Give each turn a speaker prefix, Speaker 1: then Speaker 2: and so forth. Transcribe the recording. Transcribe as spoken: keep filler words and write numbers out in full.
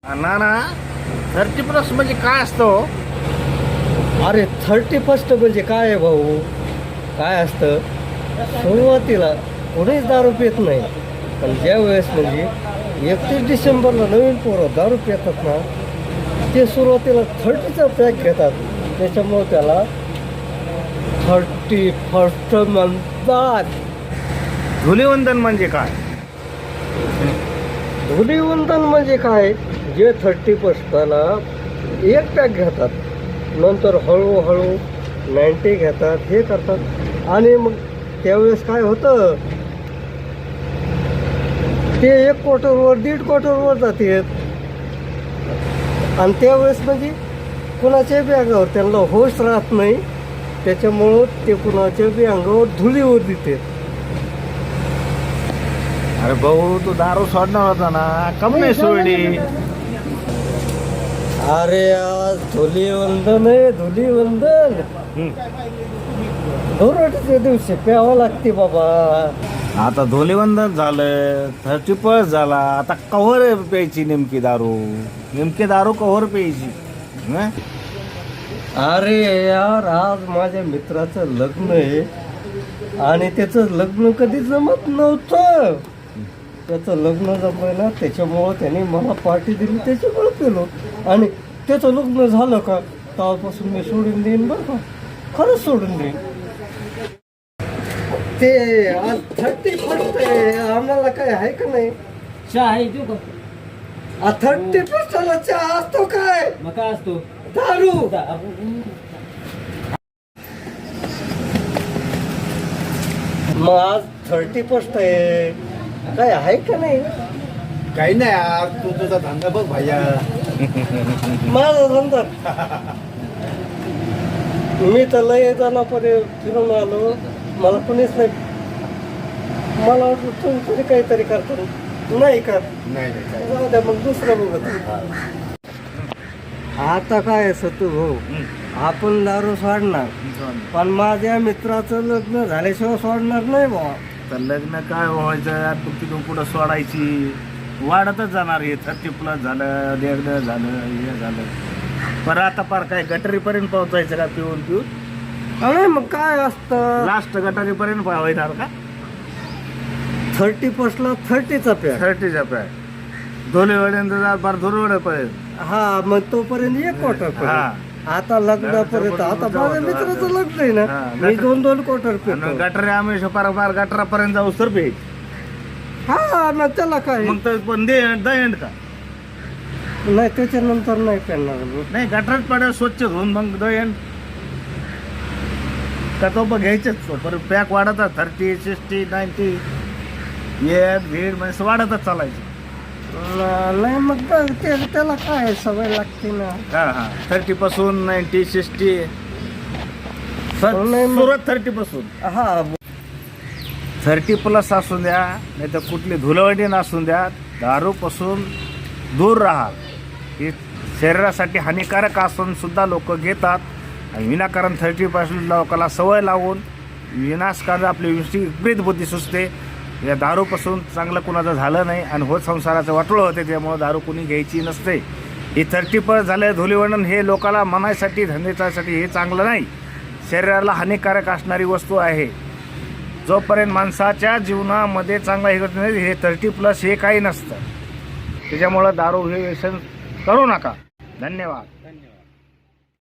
Speaker 1: ना ना thirty plus म्हणजे काय असतं?
Speaker 2: अरे थर्टी फर्स्ट म्हणजे काय आहे भाऊ? काय असतं, सुरुवातीला कोणीच दारू पित नाही, पण ज्या वेळेस म्हणजे एकतीस डिसेंबरला नवीन पोरं दारू पितात ना, ते सुरुवातीला थर्टीचा पॅक घेतात. त्याच्यामुळे त्याला थर्टी फर्स्ट म्हणतात.
Speaker 1: धुलीवंदन म्हणजे काय?
Speaker 2: धुलीवंदन म्हणजे काय? जे थर्टी फर्स्टला एक पॅक घेतात, नंतर हळूहळू नाईन्टी घेतात, हे करतात. आणि मग त्यावेळेस काय होतं, ते एक क्वार्टरवर दीड क्वार्टरवर जाते. आणि त्यावेळेस म्हणजे कुणाच्या बी अंगावर त्यांना होश राहत नाही, त्याच्यामुळं ते कुणाच्या बी अंगावर धुलीवर देते.
Speaker 1: अरे भाऊ, तू दारू सोडणार होता ना, कम नाही सोडली?
Speaker 2: अरे आज धुलीवंदन आहे, धुलीवंदन. धुराटीच्या दिवशी प्यावं लागते बाबा.
Speaker 1: आता धुलीवंदन झालं, थर्टी प्लस झाला, आता कव्हर प्यायची नेमकी दारू? नेमकी दारू कव्हर प्यायची? हं?
Speaker 2: अरे यार, आज माझ्या मित्राचं लग्न आहे आणि त्याचं लग्न कधी जमत नव्हतं. त्याचं लग्न जमलं, त्याच्यामुळं त्याने मला पार्टी दिली, त्याच्यामुळं केलो. आणि त्याचं लग्न झालं का तेव्हापासून मी सोडून देईन बरं का, खरंच सोडून देईन. ते आज थर्टी फर्स्ट आहे, आम्हाला काय आहे का नाही?
Speaker 3: चहा आहे तू का?
Speaker 2: थर्टी फर्स्टला चहा असतो काय?
Speaker 3: मग काय असतो?
Speaker 2: दारू. मग आज थर्टी फर्स्ट आहे, काय आहे का नाही?
Speaker 4: काही नाही यार, तू तुझा धंदा बघ भैया.
Speaker 2: माझा धंदा मी तर लय जणांपर्यंत फिरून आलो, मला कोणीच नाही. मला वाटलं तुम्ही तरी काहीतरी करतो, नाही का?
Speaker 4: नाही नाही काही.
Speaker 2: जाऊ द्या मग, दुसरं बघत. आता काय सतू भाऊ, आपण दारू सोडणार, पण माझ्या मित्राचं लग्न झाल्याशिवाय सोडणार नाही भाऊ.
Speaker 1: तर लग्न काय व्हायचं यार, तू तिथून पुढं सोडायची, वाढतच जाणार. हे थर्टी प्लस झालं, लग्न झालं, हे झालं, पर आता पार काय गटरीपर्यंत पोहोचायचं का पिऊन पिऊन?
Speaker 2: अरे मग काय असतं,
Speaker 1: लास्ट गटारीपर्यंत पोहायणार का?
Speaker 2: थर्टी फर्स्टला थर्टीचा पॅक.
Speaker 1: थर्टीच्या पॅक धुलीवड्यापर्यंत जा, पार धुलीवड्यापर्यंत.
Speaker 2: हा, मग तोपर्यंत एक क्वार्टर.
Speaker 1: हा.
Speaker 2: आता लग्नापर्यंत, आता माझ्या मित्राचं लग्न आहे ना,
Speaker 1: हा,
Speaker 2: मी दोन दोन क्वार्टर
Speaker 1: आणि
Speaker 2: पितो.
Speaker 1: गटारी आम्ही पार पार गटारापर्यंत जाऊ तर पे.
Speaker 2: हा, मग त्याला काय
Speaker 1: मग तर पण दे द एंड का?
Speaker 2: नाही, त्याच्यानंतर नाही पेणार.
Speaker 1: नाही, गटारात पड्या स्वच्छ धुवून मग द एंड का? तो पण घ्यायचेच परत पॅक वाढतच, थर्टी सिक्स्टी नाईन्टी येत भीड म्हणजे वाढतच चालायचं.
Speaker 2: नाही मग बघ, ते त्याला काय सवय लागते ना.
Speaker 1: हा हा थर्टी पासून नाईन्टी सिक्स्टी
Speaker 2: नाही मग-
Speaker 1: सुरुवात थर्टी पासून.
Speaker 2: हा,
Speaker 1: थर्टी प्लस असून द्या, नाही तर कुठली धुलवडी नसून द्या, दारूपासून दूर राहा. ही शरीरासाठी हानिकारक असून सुद्धा लोक घेतात. आणि विनाकारण थर्टी पासून लोकांना सवय लावून विनाशकारी आपली विपरीत बुद्धी सुचते. या दारूपासून चांगलं कुणाचं झालं नाही आणि होत संसाराचं वाटोळं होते, त्यामुळं दारू कुणी घ्यायची नसते. ही थर्टी प्लस झालं धुलीवंदन हे लोकांना मनासाठी धंद्यासाठी हे चांगलं नाही, शरीराला हानिकारक असणारी वस्तू आहे. जोपर्यंत माणसाच्या जीवनामध्ये चांगला हे करत नाही, हे थर्टी प्लस हे काही नसतं. त्याच्यामुळं दारू हे व्यसन करू नका. धन्यवाद.
Speaker 3: धन्यवाद.